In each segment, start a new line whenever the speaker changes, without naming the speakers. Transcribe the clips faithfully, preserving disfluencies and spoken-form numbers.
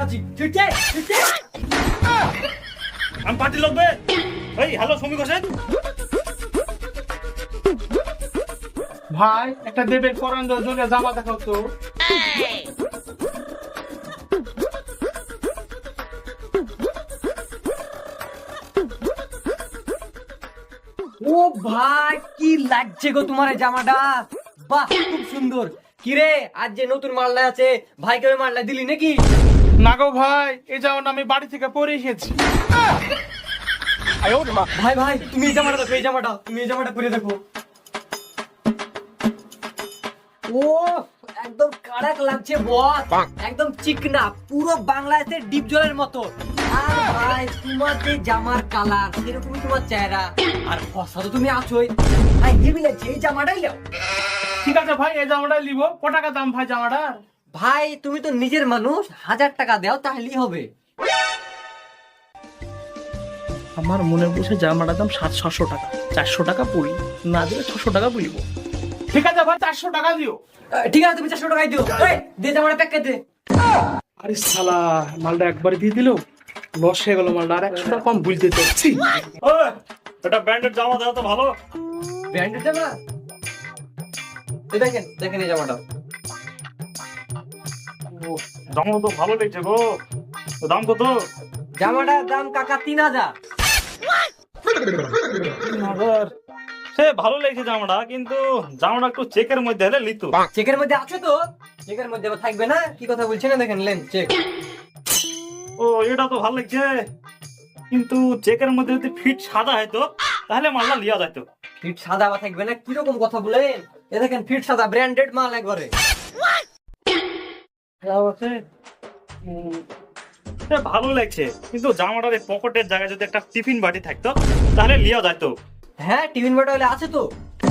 দেখাচ্ছি ঠিক আছে ঠিক আছে
আমি পার্টি লাগবে। এই হ্যালো সমীক হোসেন,
ভাই একটা দেবের পরান জন্য জামা দেখাও তো।
ও ভাই কি লাগছে গো তোমার এই জামাটা, বাহ খুব সুন্দর। কিরে আজ যে নতুন মালটা আছে ভাইকে ওই মালটা দিলি নাকি?
না গো ভাই, এই জামাটা আমি বাড়ি থেকে পরে এসেছি।
ভাই ভাই তুমি এই জামাটা দেখো, এই জামাটা তুমি এই জামাটা পরে দেখো। ও একদম কাড়াক লাগছে বস, একদম চিকনা, পুরো বাংলাদেশের ডিপ জলের মতো। আর ভাই তোমার যে জামার কালার সেরকমই তোমার চেহারা, আর ফসা তো তুমি আছোই। ভাই হেভি লাগছে, এই জামাটাই নাও।
ঠিক আছে ভাই, এই জামাটাই নিব। ক টাকা দাম ভাই জামাটার?
ভাই তুমি তো নিজের মানুষ, হাজার টাকা দাও তাহলেই হবে।
আমার মনে বসে জামাটার দাম সাত ছশো টাকা, চারশো টাকা পড়ি, না দিলে ছশো টাকা পড়িব। ঠিক আছে ভাই, চারশো টাকা দিও।
আহ, ঠিক আছে তুমি চারশো টাকাই দিও। এই, দে জামাটা প্যাক করে দে।
আরে শালা, মালটা একবারে দিয়ে দিল, লস হয়ে গেল মালটা। আর একশো টাকা কম বুঝতে চাচ্ছি।
ওই এটা ব্র্যান্ডেড জামা দাও তো ভালো।
ব্র্যান্ডেড জামা, এই দেখেন দেখেন এই জামাটা।
ও, জামা তো ভালো লাগছে গো। তো দাম কত?
জামাটার দাম কাকা তিন হাজার।
সে ভালো লাগছে জামাটা, কিন্তু জামাটা একটু চেকের মধ্যে হলে লিতু।
চেকের মধ্যে আছে তো, চেকের মধ্যে আবার থাকবে না? কি কথা বলছেন না, দেখেন লেন চেক।
ও এটা তো ভালো লাগছে, কিন্তু চেকের মধ্যে যদি ফিট সাদা হয়তো তাহলে মালটা লিয়া যাইতো।
ফিট সাদা আবার থাকবে না, কিরকম কথা বলেন? এ দেখেন ফিট সাদা, ব্র্যান্ডেড মাল একবারে।
উম, সে ভালো লাগছে, কিন্তু জামাটার এই পকেটের জায়গায় যদি একটা টিফিন বাটি থাকতো তাহলে লিয়া যাইতো।
হ্যাঁ টিফিন বাটি হলে আছে তো,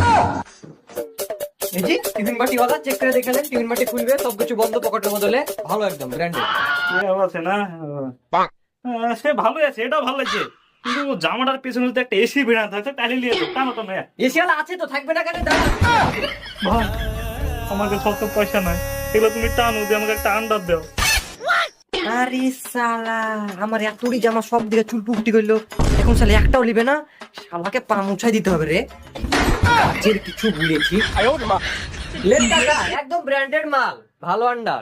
এই যে টিফিন বাটি ওয়ালা, চেক করে দেখে নেন। টিফিন বাটি খুলবে, সবকিছু বন্ধ, পকেটের বদলে ভালো, একদম ব্র্যান্ডেড।
আছে না? আহ, সে ভালো আছে, এটাও ভালো লাগছে, কিন্তু জামাটার পিছনে যদি একটা এসি ভিড়া থাকতো তাহলে লিয়ে যেত। কেন তো মেয়ে
এসি ওয়ালা আছে তো, থাকবে না কেন? দাঁড়া।
ভাই, আমাকে সত পয়সা নাই, এগুলো তুমি টানো দিয়ে আমাকে একটা আন্ডার দাও।
আরে শালা, আমার এতটি জামা সব দিকে চুল পুকটি করলো, এখন শালা একটাও নিবে না। শালাকে পা মুছাই দিতে হবে রে, কাজের কিছু ভুলেছি। লেন কাকা, একদম ব্র্যান্ডেড মাল, ভালো আন্ডার।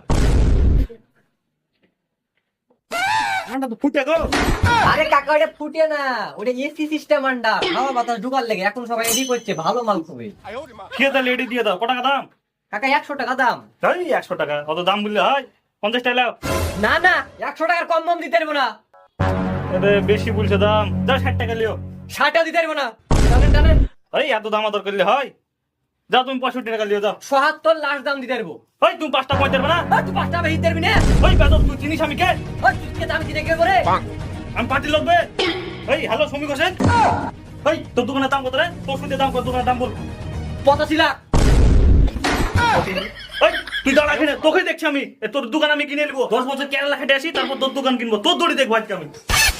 আন্ডার তো ফুটে গো।
আরে কাকা ওটা ফুটে না, ওটা এসি সিস্টেম আন্ডার, হাওয়া বাতাস ঢুকার লেগে। এখন সবাই এডি করছে, ভালো মাল খুবই।
খেয়ে তাহলে এটি দিয়ে দাও। ক টাকা দাম?
কাকা একশো টাকা দাম।
তাই একশো টাকা অত দাম বললে হয়? পঞ্চাশ টাকা লাও।
না না, একশো টাকার কম দাম দিতে পারবো না।
এতে বেশি বলছে দাম, যাও ষাট টাকা লিও।
ষাটটা দিতে পারবো না, টানেন টানেন।
এই এত দাম আদর করলে হয়? যাও তুমি পঁয়ষট্টি টাকা লিও যাও।
সহাত্তর লাস্ট দাম দিতে পারবো।
ওই তুমি পাঁচটা পয়েন্ট দেবে না?
ওই তুই পাঁচটা বেশি পারবি না?
ওই বেদর তুই চিনিস আমি কে?
ওই তুই কে দাম দিতে কে করে?
আমি পার্টি লাগবে। এই হ্যালো সমীক হোসেন, এই তোর দোকানের দাম কত রে? তোর শুনতে দাম কত? দোকানের দাম বল।
পঁচাশি লাখ।
ওই তুই দাঁড়া এখানে, তোকে দেখছি আমি। এ, তোর দোকান আমি কিনে নেবো। দশ বছর কেরালা খেটে আসি, তারপর তোর দোকান কিনবো। তোর দড়ি দেখবো আজকে আমি।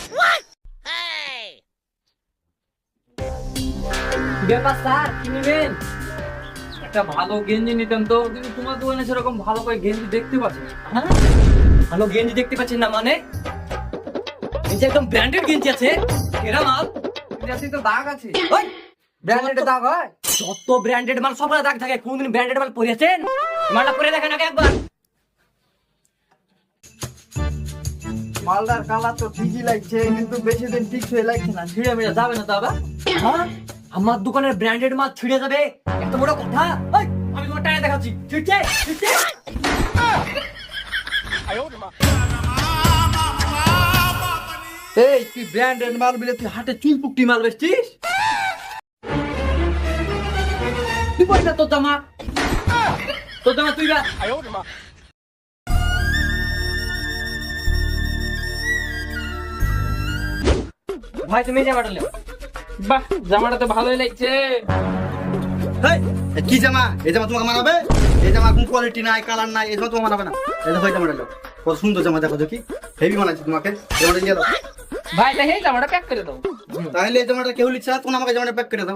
ব্যাপার স্যার, কি নেবেন?
একটা ভালো গেঞ্জি নিতাম তো, কিন্তু তোমার দোকানে সেরকম ভালো করে গেঞ্জি দেখতে পাচ্ছি না।
হ্যাঁ ভালো গেঞ্জি দেখতে পাচ্ছেন না মানে? এই যে একদম ব্র্যান্ডেড গেঞ্জি আছে, এরা মাল।
গেঞ্জি তো দাগ আছে।
ওই ব্র্যান্ডেড দাগ হয়, যত ব্র্যান্ডেড মাল সব দাগ থাকে। কোনদিন ব্র্যান্ডেড মাল পরেছেন? মালটা পরে দেখেন আগে একবার।
মালদার কালার তো ঠিকই লাগছে, কিন্তু বেশি দিন ঠিক হয়ে লাগছে না, ছিঁড়ে মিড়ে যাবে না তো আবার?
হ্যাঁ আমার দোকানের ব্র্যান্ডেড মাল ছিঁড়ে যাবে, এত বড় কথা? ওই আমি তোমার টাকা দেখাচ্ছি, ছিঁড়ছে ছিঁড়ছে।
এই তুই ব্র্যান্ডেড মাল বলে তুই হাটে চুল পুকটি মাল বেচছিস?
তুই পয়সা তোর জামা, তোর জামা তুই রাখ। ভাই তুমি এই জামাটা নাও।
বাহ, জামাটা তো ভালোই লাগছে।
হেই, এ কি জামা? এই জামা তোমাকে মানাবে? এই জামা কোন কোয়ালিটি নাই, কালার নাই, এই জামা তোমাকে মানাবে না। এই দেখো এই জামাটা নাও, কত সুন্দর জামা, দেখো দেখি হেভি মানাচ্ছে তোমাকে। জামাটা নিয়ে দাও।
ভাই তাই জামাটা প্যাক করে দাও।
তাহলে এই জামাটা কেউ লিখছে না, তখন আমাকে জামাটা প্যাক করে দাও।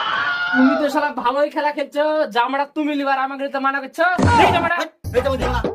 তুমি তো শালা ভালোই খেলা খেলছো, জামাটা তুমি লিবার আমাকে তো মানা করছো। এই জামাটা
এই জামা দিও না।